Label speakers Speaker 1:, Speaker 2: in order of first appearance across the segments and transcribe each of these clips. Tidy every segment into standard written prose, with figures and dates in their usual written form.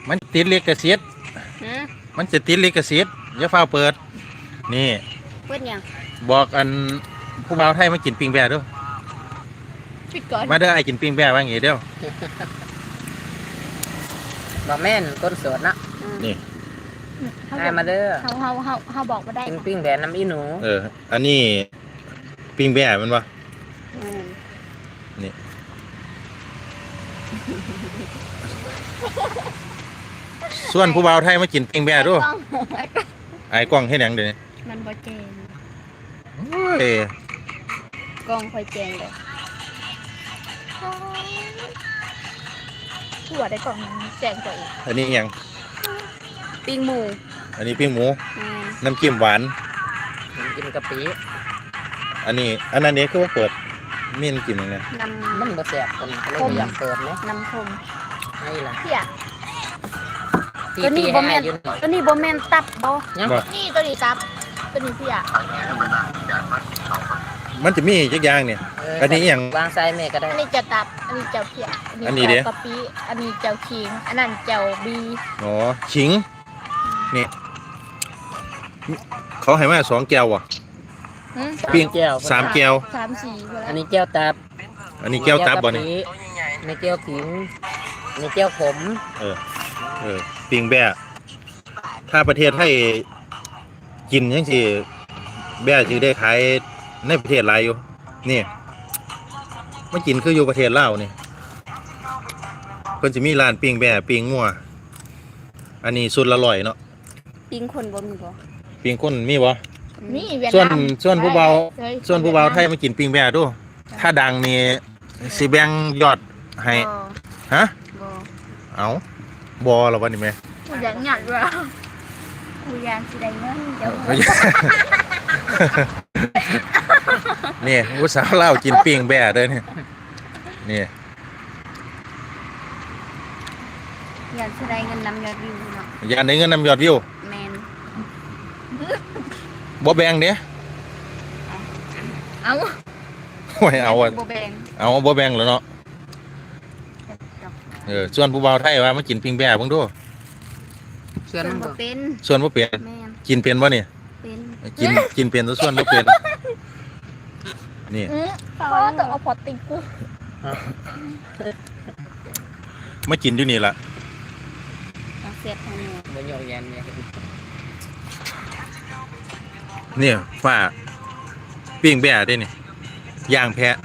Speaker 1: มันติดลิขสิทธิ์มันจะติดลิขสิทธิ์อย่าฟ้าเปิดนี่
Speaker 2: เปิดยัง
Speaker 1: บอกอันผู้บ่าวไทยมากินปิ้งแบ่ด้วย
Speaker 2: ปิดก่อน
Speaker 1: มาเด้อไอ้กินปิ้งแบ่ว่าอย่างงี้เด้อ
Speaker 3: บ่แม่นก้นสดนะ
Speaker 1: นี่
Speaker 3: ให้มาเด้อ
Speaker 2: เขาบอกมาได้
Speaker 3: ปิ้งแบ่น้ำอีหนู
Speaker 1: อันนี้ปิ้งแบ่มันวะนี่ส่วนผู้บ่าวไทยมากินปิ้งแบ่ด้วยไอ้กล้องให้หนังเดี๋ยวนี้
Speaker 2: มันบ่เจงกล้องค่อยเจงเลยหัวได้กล่องแจงตัวเอง
Speaker 1: อันนี้ยัง
Speaker 2: ปิ้งหมู
Speaker 1: อันนี้ปิ้งหมูน้ำจิ้มหวาน
Speaker 3: น้ำจิ้มกะปิ
Speaker 1: อันนี้คือว่าเปิดมีน้ำจิ้มยังไง
Speaker 3: มันบ่แซ่บคนเลยอยากเปิดไหม
Speaker 2: น้ำส้ม
Speaker 3: นี่ล่ะ
Speaker 2: เพี้ยตัวนี้บ่แม่นตับบ่นี่ตัวนี้ตับตัวนี้เพี้ย
Speaker 1: มันจะมีจักอย่างเนี่ยอันนี้อย่าง
Speaker 3: วางไซแม่ก็ได้
Speaker 2: อันนี้จะตับอันนี้เจ้าเพี้ยอันนี้เจ้ากะปิอันนี้เจ้าขิงอันนั้นเจ้าบี
Speaker 1: อ๋อขิงนี่เขาให้มา2 แก้วอ่ะปิ้ง3 แก้ว
Speaker 2: 3-4
Speaker 3: อันนี้แก้วตับ
Speaker 1: อันนี้แก้วตับบ่นี่
Speaker 3: ในแก้วขิงในแก้วขม
Speaker 1: ปิ้งแบ่ถ้าประเทศไทยกินยังสิแบ่สิได้ขายในประเทศหลายอยู่นี่มากินคืออยู่ประเทศลาวนี่เพิ่นสิมีร้านปิ้งแบ่ปิ้งงัวอันนี้สุดละ100เนาะ
Speaker 2: ปิ้งคนบ่มีบ่
Speaker 1: ปิ้งคนมีบ่
Speaker 2: มีเวียด
Speaker 1: นามส่วนผู้เบาไทยมากินปิ้งแบ่ดูถ้าดังนี่สิแบ่งยอดให้ฮะ
Speaker 2: บ่
Speaker 1: เอาบ่ล่ะวันนี้แม่
Speaker 2: อยากหยัดว่ากูอยากสิได้เงินเดี๋ยว
Speaker 1: นี่ผู้สาวเล่ากินปิ้งแบ่เด้อนี่
Speaker 2: อยากสิได้เงินนำยอดวิวเนาะ
Speaker 1: อยากได้เงินนำยอดวิว
Speaker 2: แม่น
Speaker 1: บ่แบ่งเด้
Speaker 2: เอา
Speaker 1: โอ้ยเอาบ่แบ่งแล้วเนาะส่วนผู้บ่าวไทยว่ามากินปิ้งแบ่เบิ่งดู
Speaker 3: ส่วนบ่
Speaker 2: เป็น
Speaker 1: กินเป็นบ่นี่กินเป็นตัวส่วนบ่เป็นนี่
Speaker 2: ก็ต้องเอาพอติงกู
Speaker 1: มากินอยู่นี่ล่ะ
Speaker 2: เสียบทางนี้
Speaker 3: บ่ยอมยัน
Speaker 1: เนี่ยฝ้าปิ้งแบ่ได้นี่ย่างแพะ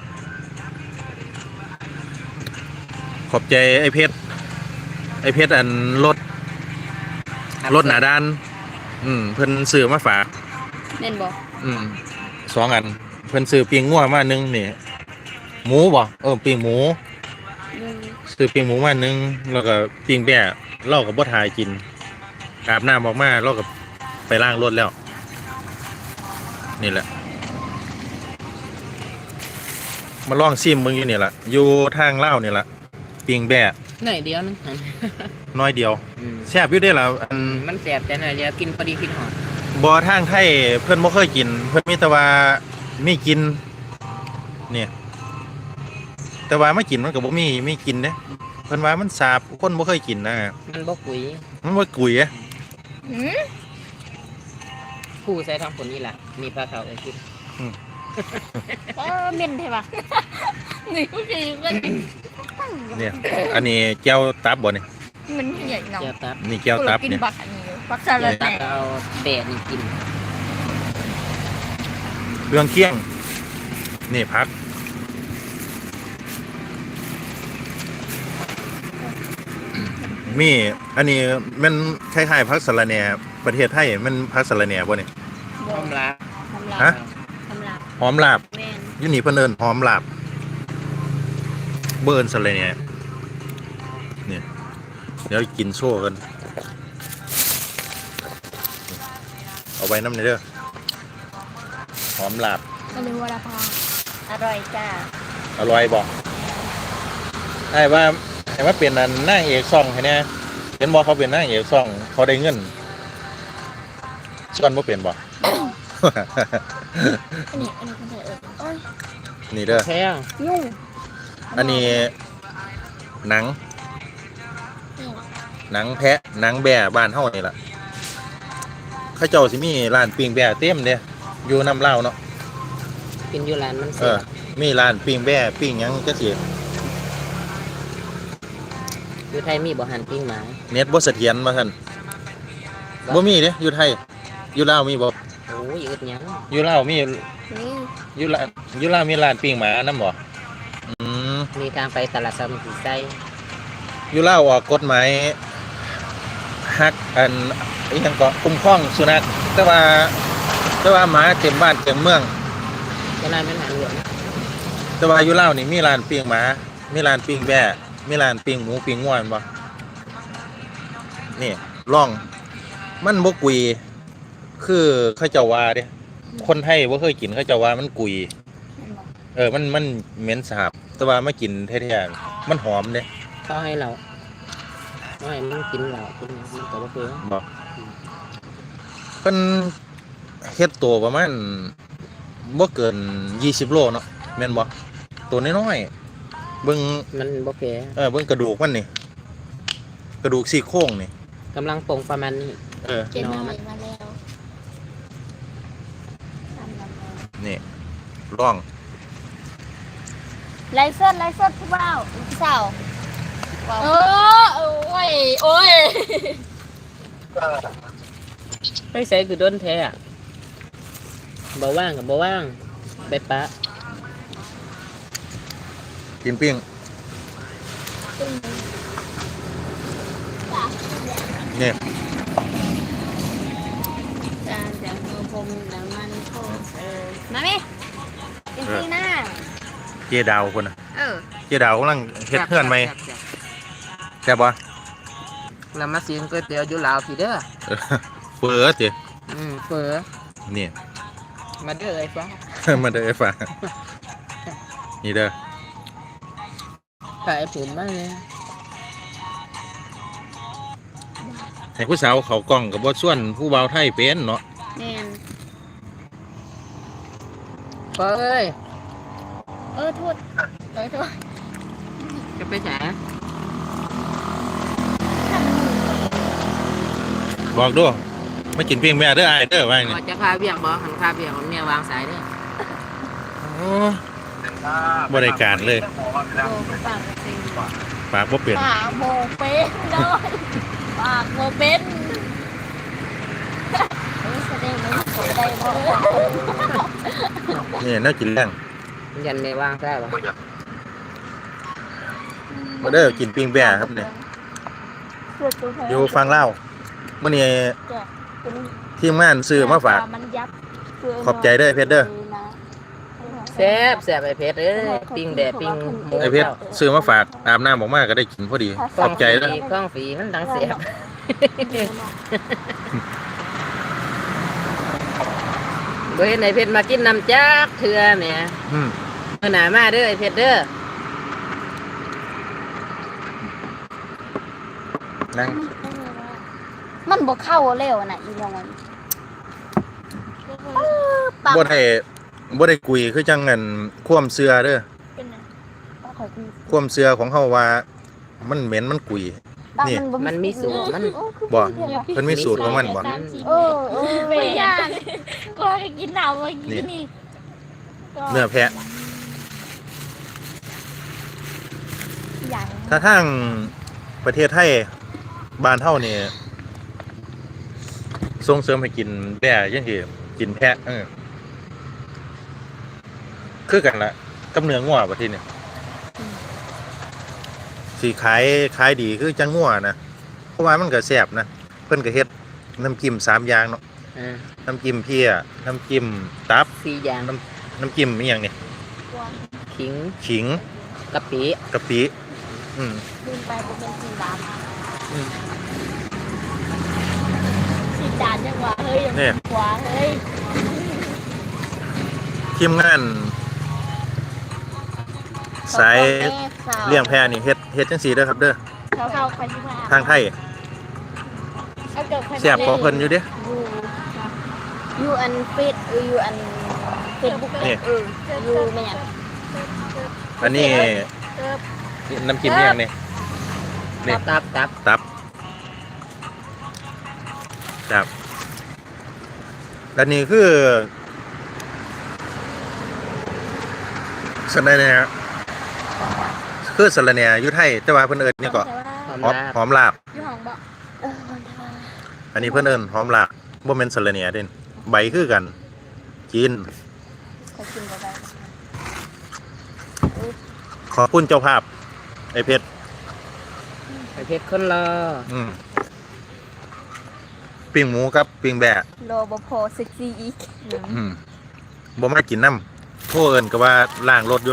Speaker 1: ขอบใจไอ้เพชรอันรถหนาด้านเพิ่นซื้อมาฝาก
Speaker 2: แม่นบ่
Speaker 1: 2 อันเพิ่นซื้อปิ้งงัวมา1นี่หมูบ่ปิ้งหมูซื้อปิ้งหมูมา1แล้วก็ปิ้งแบ่เราก็บ่ทายกินอาบน้ำออกมาเราก็ไปล้างรถแล้วนี่แหละมาลองซิมมึงอยู่นี่แหละอยู่ทางเล่านี่แหละปิ้งแบ่
Speaker 3: หน่อยเดียวนึง
Speaker 1: น้อยเดียวแซ่บอยู่ได้ล่ะ
Speaker 3: มันแซ่บแต่หน่อยเดียวกินพอดีกินหอม
Speaker 1: บ่ทางไทยเพิ่นบ่เคยกินเพิ่นมีแต่ว่ามีกินเนี่ยแต่ว่าไม่กินมันก็บ่มีกินเด้เพิ่นว่ามันสาบคนบ่เคยกินนะ
Speaker 3: มันบ่กุยผู้ใส่ทางผลนี่แหละมีปลาเขากิน
Speaker 2: เม่นใช่ปะนี่ผู้ชายกัน
Speaker 1: เนี่ยอันนี้แก้วตับบ่นี่
Speaker 2: มันใหญ่เนาะ
Speaker 1: นี่แก้วตับเนี่ย
Speaker 2: ปักซาลา
Speaker 3: ตับเอาแบ่นี่กิน
Speaker 1: เครื่องเคียงนี่ผักมีอันนี้มันคล้ายๆผักสะระแหน่ประเทศไทยมันผักสะระแหน่บ่นี่
Speaker 3: หอมลาบ
Speaker 1: ฮะหอมลาบอยู่นี่เพิ่นเอิ้นหอมลาบเบิ่นสะระแหน่นี่เดี๋ยวกินโซ่กันเอาไว้น้ำนี่เด้อหอมลาบ
Speaker 2: อร่อยพาอร่อยจ้า
Speaker 1: อร่อยบ่ไอ้ว่าเป็นนางเอกซ่องให้แน่เห็นบ่เขาเป็นนางเอกซ่องเขาได้เงินส่วนบ่เป็นบ่
Speaker 2: อันนี้คนไทย
Speaker 1: นี่เด้อ
Speaker 3: แพง
Speaker 1: อันนี้หนังหนังแพะหนังแบะบ้านเฮานี่ล่ะเขาเจ้าสิมีร้านปิ้งแบะเต็มเด้อยู่น้ำเล่าวเนาะ
Speaker 3: กินอยู่ร้านมัน
Speaker 1: เอ
Speaker 3: เสีย
Speaker 1: อมีร้านปิ้งแบะปิ้งหยังจังซี่
Speaker 3: อยู่ไทยมีบ่หันปิ้งหมา
Speaker 1: เน็ตบ่เสถียรว่าซั่นบ่มีเด้อยู่ไทยอยู่ลาวมีบ่
Speaker 3: โอ้ยอึดหยัง
Speaker 1: อยู่ลาวมี
Speaker 2: นี่
Speaker 1: อยู่ลาวมีร้านปิ้งหมานำบ่อืม
Speaker 3: มีทางไปตลาดซ้ำสีไส้
Speaker 1: อยู่ลาวออกกฎหมายฮักอันอีหยังก็คุ้มครองสุนัขแต่ว่าหมาเต็มบ้านเต็มเมือง
Speaker 3: เวลามันหันหลวง
Speaker 1: แต่ว่าอยู่ลาวนี่มีร้านปิ้งหมา มีร้านปิ้งแบะมีร้านปิ้งหมูปิ้งงัวแม่นบ่นี่ลองมันบ่กุยคือเขาเจ้าว่าเด้คนไทยบ่เคยกินเขาเจ้าว่ามันกุยมันเหม็นสาบแต่ว่ามากินแท้ๆมันหอมเด้
Speaker 3: เขาให้เราไม่ให้มันกินเรากินมันก็บ่เพื่อ
Speaker 1: บ่เพิ่นเฮ็ดตัวประมาณบ่เกิน20โลเนาะแม่นบ่ตัวน้อยๆเบิ่ง
Speaker 3: มันบ่เพื่อ
Speaker 1: เบิ่งกระดูกมันนี่กระดูกซี่โครงนี่
Speaker 3: กำลังปงประมาณนี้
Speaker 2: เก็บมามาแล้ว
Speaker 1: นี่ลอง
Speaker 2: ไลฟ์สดผู้บ่าวผู้สาวโอ้ย
Speaker 3: ไปใส่คือโดนแท้อะบ่ว่างกับบ่ว่างไปปะ
Speaker 1: กินปิ้งนี่
Speaker 2: จานจากมือผมน้ำมันโคมาไหมเป็นปีหน้า
Speaker 1: เจดาวคนน่ะ
Speaker 2: เออ
Speaker 1: เจดาวกำลังเฮ็ดเฮือนใหม่แซ่บบ่
Speaker 3: แล้วมาซื้อก๋วยเตี๋ยวอยู่ลาวพี่เด้อ
Speaker 1: เปิดติ
Speaker 3: เฟือ
Speaker 1: นี่
Speaker 3: มาเด้อไอ้ฟ้า
Speaker 1: มาเด้อไอ้ฟ้านี่เด้อ
Speaker 3: ถ่ายผมมาเลย
Speaker 1: ให้ผู้สาวเขากล้องกับบ่ส่วนผู้บ่าวไทยเป็นเนาะ
Speaker 2: แม่น
Speaker 3: ฟ้าเอ้ย
Speaker 2: โทษ
Speaker 3: จะไปไหน
Speaker 1: บอกดูมากินปิ้งแม่เด้ออ้ายเด้อว่านี่
Speaker 3: ว่าจะพาเบี่ยงบ่หันพาเบี่ยงของเมียวางสายเด้อ
Speaker 1: โอ้บ่ได้การเลย
Speaker 2: โบปากเป็น
Speaker 1: ปากบ่เป็น
Speaker 2: ปากโบเป็นเลยปากโบเป็นแสดงว่าผมได้บ่
Speaker 1: นี่น่ากินแรง
Speaker 3: ยันในวางได้ปะ
Speaker 1: มาเด้อกินปิ้งแบ่ครับเนี่ยอยู่ฟังเล่าวมื้อนี้ทีมงานซื้อมาฝากขอบใจเด้อเพชรเด้อ
Speaker 3: แซ่บแซ่บไอ้เพชรเอ้ยปิ้งแดดปิ้งหมู
Speaker 1: ไอเพชรซื้อมาฝากอาบน้ำออกมาก็ได้กินพอดีขอบใจเด้อ
Speaker 3: ข้องฝีมันดังแซ่บบ่เห็นไอ้เพชรมากินน้ำจักเถื่อแหม
Speaker 1: อืม
Speaker 3: มื้อหน้ามาเด้อไอ้เพชรเด้อ
Speaker 1: นั่ง
Speaker 2: มันบ่เข้าเร็วน่ะอีน้องปัก
Speaker 1: บ่ได้กุยคือจังงั้นความเชื่อเด้อ
Speaker 2: เป็นไงข่อยคือ
Speaker 1: ความเชื่อของเฮาว่ามันเหม็นมันกุย นี่
Speaker 3: มันมีสูตรมัน
Speaker 1: บ่เพิ่นมีสูตรของมันบ่
Speaker 2: ไม่อยากก็กินหนาวมากินนี่
Speaker 1: เนื้อแพะ
Speaker 2: อย่าง
Speaker 1: ถ้าทางประเทศไทยบ้านเฮานี่ส่งเสริมให้กินแบ่จังซี่กินแพะคือกันละกับเนื้องัวประเทศนี้สิขายดีคือจังงัวนะเพราะว่ามันก็แซ่บนะเพิ่นก็เฮ็ดน้ำจิ้ม3อย่างเนาะน้ำจิ้มเพี้ยน้ำจิ้มตับ
Speaker 3: 4อย่าง
Speaker 1: น้ำจิ้มอีหยังนี่
Speaker 3: ขิง
Speaker 1: ขิง
Speaker 3: กะปิ
Speaker 1: กะปิ
Speaker 2: ลืมไปเป็นสีดำสีจานยังหวะเฮ้ยยังหวะเฮ้ย
Speaker 1: ทีมงานสายเลี้ยงแพะนี่เฮ็ดจังซี่เด้อครับเด้อ
Speaker 2: เข้าไปที่ว่า
Speaker 1: ทางไทยแซ่บของเพิ่นอยู่เด้
Speaker 2: ยูอันเฟซยูอันเฟซบุ๊กยูไม่ยัง
Speaker 1: อันนี้น้ำจิ้มอีหยังนี่นี่
Speaker 3: ตับ
Speaker 1: ตับครับอันนี้คือสะระแหน่คือสะระแหน่อยู่ไทยแต่ว่าเพิ่นเอิ้นนี่ก็
Speaker 3: หอม
Speaker 1: หอม
Speaker 3: ลาบ
Speaker 1: หอมลาบ
Speaker 2: อยู่ห้องบ่
Speaker 1: อันนี้เพิ่นเอิ้นหอมลาบบ่แม่นสะระแหน่เด่นใบคือกันกิน
Speaker 2: เขากินบ่ได้
Speaker 1: ขอบคุณเจ้าภาพไอ้เพชร
Speaker 3: ไอ้เพชรคนรอ
Speaker 1: ปิ้งหมูกับปิ้งแบะ
Speaker 2: รอบ่พอเซ็กซี่อีก
Speaker 1: บ่มากินน้ำโทรเอิ้นก็ว่าล้างรถอยู่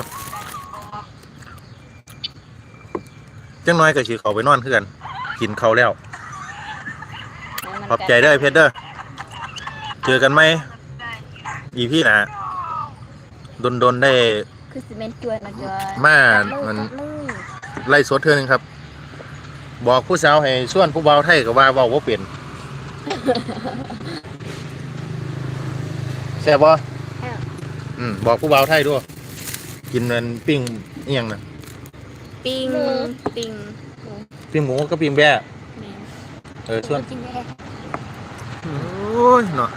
Speaker 1: จังน้อยก็สิเข้าไปนอนคือกันกินข้าวแล้วขอบใจเด้อไอ้เพชรเด้อเจอกันไหมอีพี่หน้าดนได้
Speaker 2: คือสิเมนจวยมาจอย
Speaker 1: มามัน ไล่สดเทื่อนึงครับ บอกผู้สาวให้ชวนผู้บ่าวไทยก็ว่าเว้าบ่เป็นแซ่บบ่บอกผู้บ่าวไทยด้วยกินมันปิ้งอีหยังน่ะ
Speaker 2: ปิ้งปิ้ง
Speaker 1: ปิ้งหมูกับปิ้งแบะ
Speaker 2: แม่
Speaker 1: ชวน
Speaker 2: กินได้
Speaker 1: โอ้ยเนาะ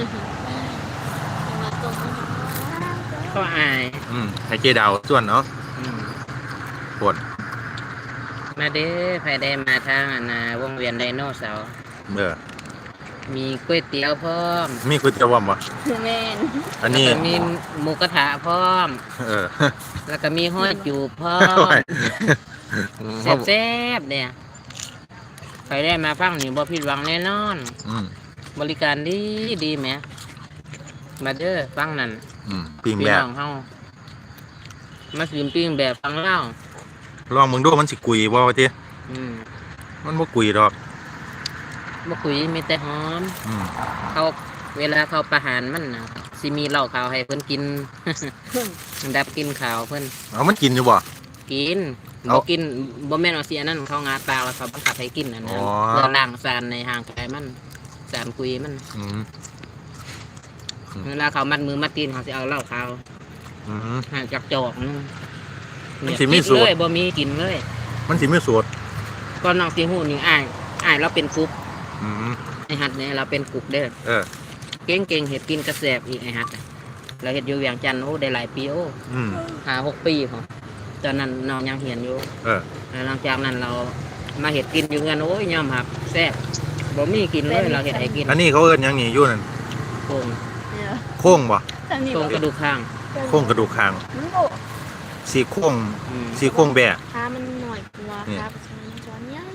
Speaker 2: มาตรง
Speaker 3: ก็อาย
Speaker 1: ให้เจดาวชวนเนาะ
Speaker 3: อืม
Speaker 1: ปวด
Speaker 3: มาเด้อไผได้มาทางวงเวียนไดโนเสาร์ มีก๋วยเตี๋ยวพร้อม
Speaker 1: มีก๋วยเตี๋ยวบ่บ่
Speaker 2: แม่น
Speaker 1: อันนี้
Speaker 3: แล้วก็มีหมูกระทะพร้อม
Speaker 1: เออ
Speaker 3: แล้วก็มีห้อยจูบพร้อมแซ่บๆเนี่ยใครได้มาฟังนี่บ่ผิดหวังแน่นอน บริการดีแหมมาเด้อฟังนั่น
Speaker 1: ปิ้ง
Speaker 3: พี่
Speaker 1: แบะ
Speaker 3: น้องเฮามาสิปิ้งแบบฟังเล่า
Speaker 1: ลองมึงดูมันสิกุยบ่ว่าติ
Speaker 3: อืม
Speaker 1: มันบ่กุยดอก
Speaker 3: บ่คุยมีแต่หอม เขาเวลาเขาประหารมันน่ะสิมีเหล้าขาวให้เพิ่นกิน ดับกินข่าวเพิ่น
Speaker 1: เอามันกินอยู่บ่
Speaker 3: กิน
Speaker 1: เอา
Speaker 3: บ่กินบ่แม่นว่าสิอันนั้นเขางาปลาแล้วเขาบังคับให้กินอันนั้น
Speaker 1: อ๋อ
Speaker 3: เพื่อล้างสารในห่างกายมันสารคุยมัน
Speaker 1: อืม
Speaker 3: เวลาเขามัดมือมัดตีนเขาสิเอาเหล้าขาว
Speaker 1: อืม
Speaker 3: ห่างจากจอกนึง
Speaker 1: มันสิมีสูตร
Speaker 3: เลยบ่มีกินเลย
Speaker 1: มันสิมีสูตร
Speaker 3: ก่อนน้องสิฮู้นี่อ้ายเราเป็นกุ๊ก
Speaker 1: อืม
Speaker 3: ไอ้หัดเนี่ยเราเป็นกุ๊กเด้อ
Speaker 1: เออ
Speaker 3: เก่งเฮ็ดกินกระแสบอีกไอ้หัดอะเราเฮ็ดอยู่เวียงจันทน์โอ้ได้หลายปีโอ้
Speaker 1: อืม
Speaker 3: 5-6 ปีพอตอนนั้นน้องยังเรียนอยู่
Speaker 1: เออ
Speaker 3: แล้วหลังจากนั้นเรามาเฮ็ดกินอยู่เงินโอ้ยยอมหักแซ่บบ่มีกินเลยเราเฮ็ดให้กิน
Speaker 1: อันนี้เขาเอิ้นหยังนี่อยู่นั่น
Speaker 3: โครง
Speaker 2: เนี่ย
Speaker 1: โค้งบ่
Speaker 2: ทางนี้
Speaker 3: โครงกระดูกข้าง
Speaker 1: โค้งกระดูกคาง
Speaker 2: มันโบ
Speaker 1: สี่โค้ง
Speaker 3: อืม
Speaker 1: สี่โค้งแบะ
Speaker 2: ขามันหน่อยกว่า
Speaker 1: นี่
Speaker 2: ครับช้อนใหญ่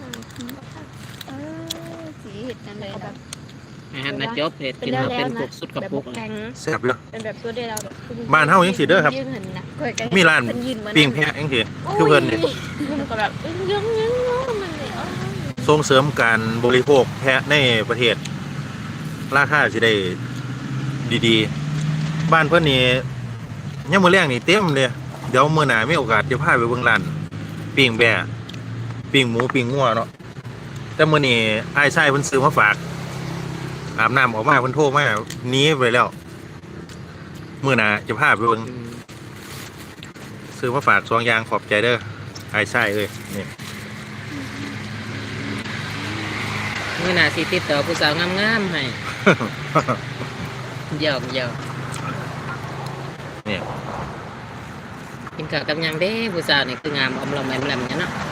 Speaker 2: สีเห็ดกันเลยแบบ
Speaker 3: ไอ้หัดนะจบเฮ็ดกินมาเป็นกุกสุดกระปุก
Speaker 2: แข็ง
Speaker 1: แซ่บเลย
Speaker 2: เป็นแบบตัวเดียวเราแบบ
Speaker 1: บ้านเฮายังสิเด้อครับ
Speaker 2: ยืนเห็นนะ
Speaker 1: มีร้านปิ้งแพะจังซี่คือเพิ่นนี่
Speaker 2: มันก็แบบยังมันเลย
Speaker 1: ส่งเสริมการบริโภคแพะในประเทศ ราคาสิได้ดีๆ บ้านเพิ่นนี่ยามมื้อแลงนี่เต็มเลยเดี๋ยวมื้อหน้ามีโอกาสจะพาไปเบิ่งร้านปิ้งแบะปิ้งหมูปิ้งงัวเนาะแต่มื้อนี้อ้ายชายเพิ่นซื้อมาฝากอาบน้ำออกมาเพิ่นโทรมาหนีไปแล้วมื้อหน้าจะพาไปเบิ่ง
Speaker 3: อืม
Speaker 1: ซื้อมาฝาก2อย่างขอบใจเด้ออ้ายชายเอ้ยนี่
Speaker 3: มื้อหน้าสิติดต่อผู้สาวงามๆให้หยอก
Speaker 1: นี่
Speaker 3: กินข้าวกับหยังเด้ผู้สาวนี่คืองามอมลอมแอมแลมเนี่ยเนาะ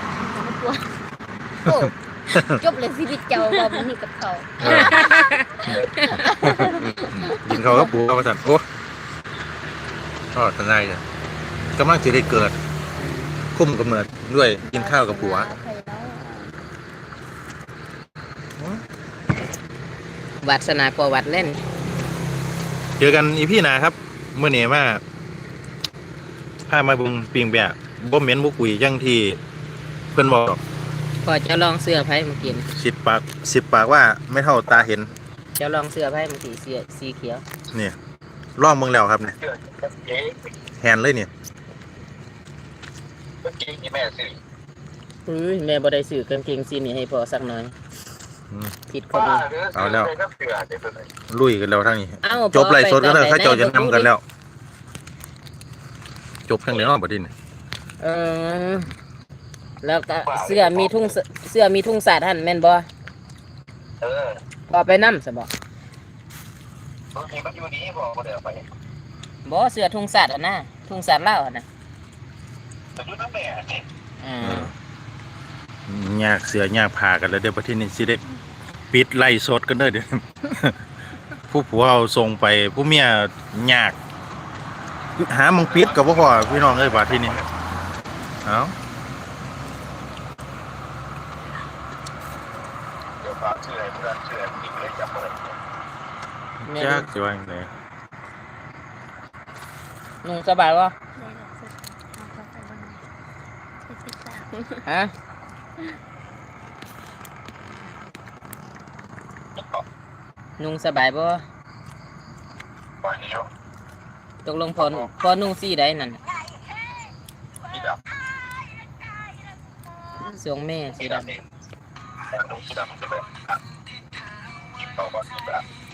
Speaker 2: โอ้จบเลยชีวิตเจ้าบ่มันนี่กับเขา
Speaker 1: กินข้าวกับปูกับว่าซั่นโอ้ทอดทนายจ้ะกำลังสิได้เกิดคุ้มกำเนิดด้วยกินข้าวกับผัว
Speaker 3: วัดสนาประวัติเล่น
Speaker 1: เจอกันอีพี่หนาครับเมื่อนี้มาพามาเบุงปิงแบะบ่เหม็นบ่กุยจังที่เพื่อนบอก
Speaker 3: พอเจะลองเสื้อไผ่มากิน
Speaker 1: 10 ปากว่าไม่เท่าตาเห็น
Speaker 3: เจะลองเสื้อไผ่มาสีเสื้อสีเขียว
Speaker 1: นี่ล่องเมืองแล้วครับเนี่ยแฮนเลยเนี่ย
Speaker 3: แม่บ่ได้ซื้อกางเกงสีนี้ให้พอสักหน่อยผิดคนนี้
Speaker 1: เอาแล้วลุยกันแล้วทั้งนี้
Speaker 3: เอ้า
Speaker 1: จบไล่สดกันแล้ว
Speaker 3: ไป
Speaker 1: เขาเจ้าจะ
Speaker 3: ไป
Speaker 1: นำกันแล้ว จบทั้งเดียวบัดนี้
Speaker 3: เออแล้วก็เสื้อมีทุ่งสาดท่านแม่นบ่
Speaker 4: เอ
Speaker 3: พอไปนำซะบ่
Speaker 4: บางทีมันอยู่นี้บอกว่าเดี๋ยวไป
Speaker 3: บ่เสื้อทุ่งสัตว์อ่ะนะทุ่งสัตว์ลาวอ่ะนะ
Speaker 4: แต่อยู่น้ำแม่เนี่ย
Speaker 3: อ่า
Speaker 1: ยากเสือยากผ่ากันแล้วเดี๋ยวประเทศนี้สิได้ปิดไล่สดกันเด้อเดี๋ยว ผู้ผัวเอาส่งไปผู้เมียยากหามึงปิดกับพ่อพี่น้องเอ้ยบาดที่นี่เอ้า
Speaker 4: เดี๋ยวฝากเชื่อเพื่อนเชื่ออีกเลยจับเลย
Speaker 3: แม่
Speaker 1: ยากสิว่าจังได๋
Speaker 3: นุ่งสบายบ่ฮะนุ่งสบายบ่
Speaker 4: ปล่อยนี่โย
Speaker 3: ตกลงพอนุ่งสีใดนั่น
Speaker 4: นี่ด
Speaker 3: สวงแม่
Speaker 4: ำ
Speaker 3: สี
Speaker 4: นี่
Speaker 3: ด
Speaker 4: ดำเองแต่ดูสีดำจะแบบกินต่อก่อนสีดำ